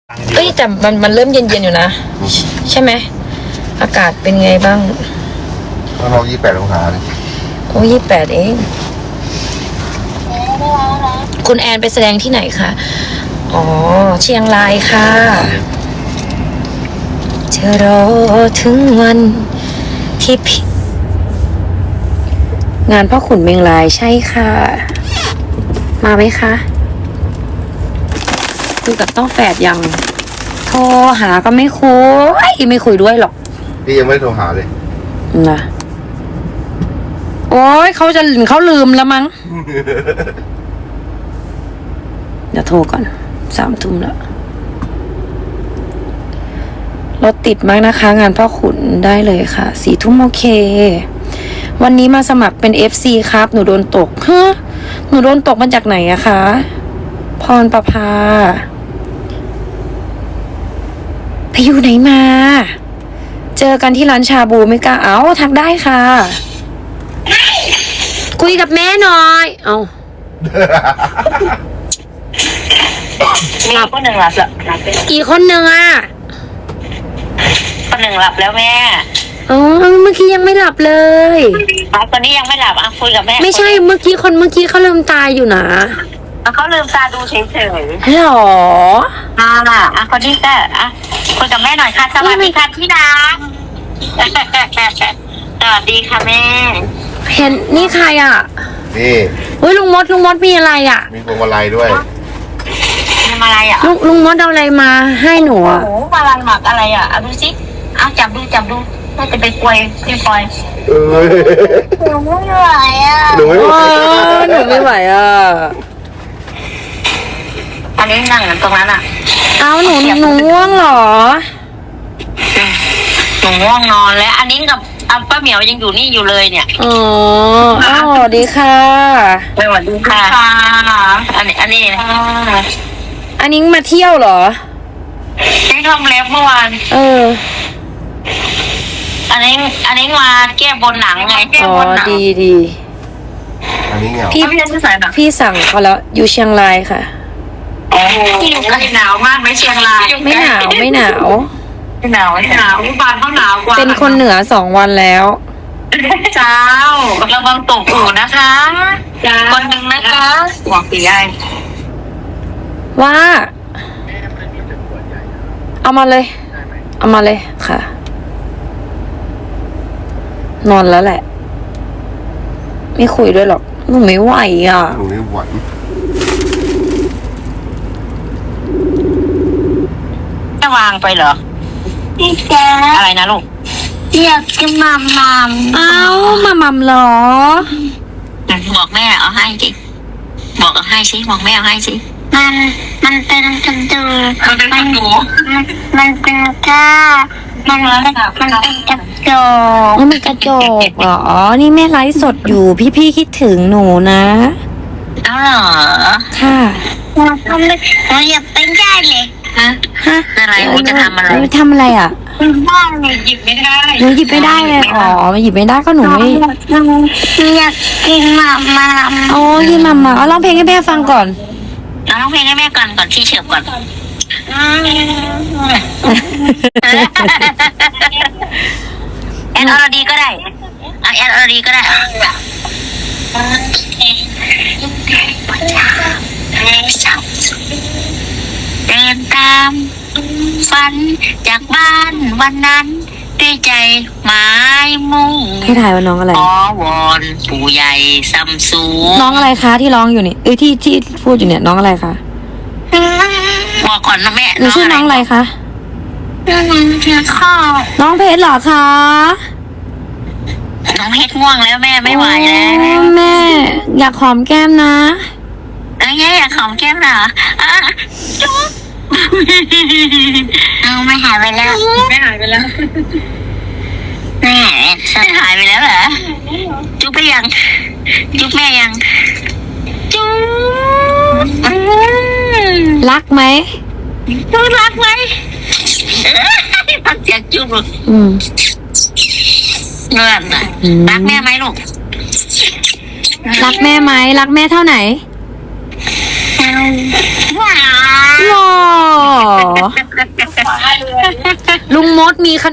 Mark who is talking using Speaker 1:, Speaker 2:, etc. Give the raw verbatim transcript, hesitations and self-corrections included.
Speaker 1: เอ้ยแต่มันมันเริ่มเย็นๆอยู่นะใช่ไหมอากาศเป็นไงบ้าง
Speaker 2: ข้างนอกยี่สิบแปดองศาเลย
Speaker 1: โอ้ยี่สิบแปดเองคุณแอนไปแสดงที่ไหนคะอ๋อเชียงรายค่ะจะรอถึงวันที่พี่งานพ่อขุนเมงลายใช่ค่ะมาไหมคะคุยกับต้องแฝดยังโทรหาก็ไม่คุยไม่คุยด้วยหรอก
Speaker 2: พี่ยังไม่โทรหาเลย
Speaker 1: นะโอ้ยเขาจะเขาลืมแล้วมั้ง เดี๋ยวโทรก่อนสามทุ่มแล้วรถติดมากนะคะงานพ่อขุนได้เลยค่ะสี่ทุ่มโอเควันนี้มาสมัครเป็น เอฟ ซี ครับหนูโดนตกฮะหนูโดนตกมาจากไหนอะคะพรประภาไปอยู่ไหนมาเจอกันที่ร้านชาบูไม่กล้าเอาทักได้ค่ะคุยกับแม่หน่อยเอา
Speaker 3: มีคนหนึ่งหลับแล้วหลับไป
Speaker 1: กี่คนหนึ่งอ่ะ
Speaker 3: คนหนึ่งหลับแล้วแม่
Speaker 1: อ๋อเมื่อกี้ยังไม่หลับเลย
Speaker 3: อ๋อตอนนี้ยังไม่หลับอ่ะคุยกับแม่
Speaker 1: ไม่ใช่เมื่อกี้คนเมื่อกี้เขาลืมตาอยู่นะ
Speaker 3: เขาลืมตาดูเฉย
Speaker 1: ๆหรอ
Speaker 3: อ่าอ่ะคนนี้ก็อ่ะคุยกับแม่หน่อยค่ะสวัสดีค่ะพี่ดาสวัสดีค่ะแม่
Speaker 1: เห็นนี่ใครอ่ะ
Speaker 2: นี่
Speaker 1: เฮ้ยลุงมดลุงมดมีอะไรอ่ะ
Speaker 2: มีพวงมาลัยด้วย
Speaker 3: มีอะไรอ่ะ
Speaker 1: ลุงลุงมดเอาอะไรมาให้หนูอ่ะ
Speaker 3: โอ้มาลัยหมักอะไรอ่ะเอาดูสิเอาจับดูจับดูน่าจะไปกวยพี่ปอยหนูไม่ไหวอ่ะ
Speaker 2: หนูไม่ไหว
Speaker 1: หนูไม่ไหวอ่ะ
Speaker 3: อันนี้นั่งตรงนั้นอ่ะ
Speaker 1: เอาหนูหนูง่วงเหรอ
Speaker 3: หนูง่วงนอนแล้วอันนี้กับอัป้าเหมียวยังอยู่นี่อยู่เลยเนี่ย
Speaker 1: อ๋ออ้าวสวัสดีค่ะ
Speaker 3: สวัสดีค่ะอันนี้อันนี้
Speaker 1: อันนี้มาเที่ยวเหรอ
Speaker 3: นี่ทำเล็บเมื่อวาน
Speaker 1: เออ
Speaker 3: อันนี้อันนี้มาแก้บนหนังไงแก้บนหนัง
Speaker 1: ดีดี
Speaker 2: อันนี้เหงา
Speaker 1: พี่พี่สั่งเขาแล้วอยู่เชียงรายค่ะ
Speaker 3: อ๋อที่อยู่กันหนาวมากไหมเชียงราย
Speaker 1: ไม่หนาวไม่หนาว
Speaker 3: ไม่หนาวไม่หนาวบ้านเขาหนาวกว่า
Speaker 1: เป็นคนเหนือสองวันแล้ว
Speaker 3: เจ้าระวังตกอู่นะคะคนหนึ่งนะคะบอกปีไอ
Speaker 1: ว่าเอามาเลยเอามาเลยค่ะนอนแล้วแหละไม่คุยด้วยหรอกหนูไม่ไหวอ่ะ
Speaker 2: หนูไม่ไหว
Speaker 3: จะวางไปเหรอพี่แจ๊อะไรนะลูกอยากกินมัมมัม
Speaker 1: เอ้ามามัมเหรอ
Speaker 3: บอกแม่เอาให้สิบอกเอาให้สิบอกแม่เอาให้สิมันมันเป็นกระดูกมันเป็นกระดูกมันเป็นก้ามันมันเป็นกระจก
Speaker 1: มันเป็นกระจกเหรอนี่แม่ไลฟ์สดอยู่พี่ๆคิดถึงหนูนะ
Speaker 3: อ้าวเหรอ
Speaker 1: ค่ะ
Speaker 3: เราทำไม่เราอยากเป็นได้เลยฮะฮะอะไรหนูจะทำอะไร
Speaker 1: ทำอะไรอ่ะ
Speaker 3: บ้านหนูหยิบไม่ได้
Speaker 1: หนูหยิบไม่ได้เลยอ๋อหยิบไม่ได้ก็หนูไม่
Speaker 3: อยากกินมามา
Speaker 1: โอ้กินมามาเอาร้องเพลงให้แม่ฟังก่อน
Speaker 3: เอาร้องเพลงให้แม่ก่อนก่อนที่เฉียบก่อนแอนอรดีก็ได้แอนอรดีก็ได้เดินตามฝันจากบ้านวันนั้นด้วยใจหมายมุ่ง
Speaker 1: ให้ถ่ายว่าน้องอะไร
Speaker 3: อ๋อวอนปู่ใหญ่ซัมซุง
Speaker 1: น้องอะไรคะที่ร้องอยู่นี่เอ้ยที่ที่พูดอยู่เนี่ยน้องอะไรคะ
Speaker 3: บอกก่อนนะแม่
Speaker 1: หนูชื่อน้องอะไรคะ
Speaker 3: น้องเพชรค่ะ
Speaker 1: น้องเพชรเหรอคะ
Speaker 3: น้องเพชรง่วงแล้วแม่ไม่ไหวแล้ว
Speaker 1: แม่อยากหอมแก้มนะ
Speaker 3: อะไรเงี้ยอยากหอมแก้มเหรออ่ะจุ๊บเอาไม่หายไปแล้วไม่หายไปแล้วแม่หายไปแล้วเหรอจุ๊บไปยังจุ๊บแม่ยังจุ๊บ
Speaker 1: รักไหม
Speaker 3: จุ๊บรักไหมพักเสียงจุ๊บ
Speaker 1: อืม
Speaker 3: เงื่อนน่ะรักแม่ไหมลูก
Speaker 1: รักแม่ไหมรักแม่เท่าไหน
Speaker 3: ว้าว
Speaker 1: หรอลุงมดมีขนม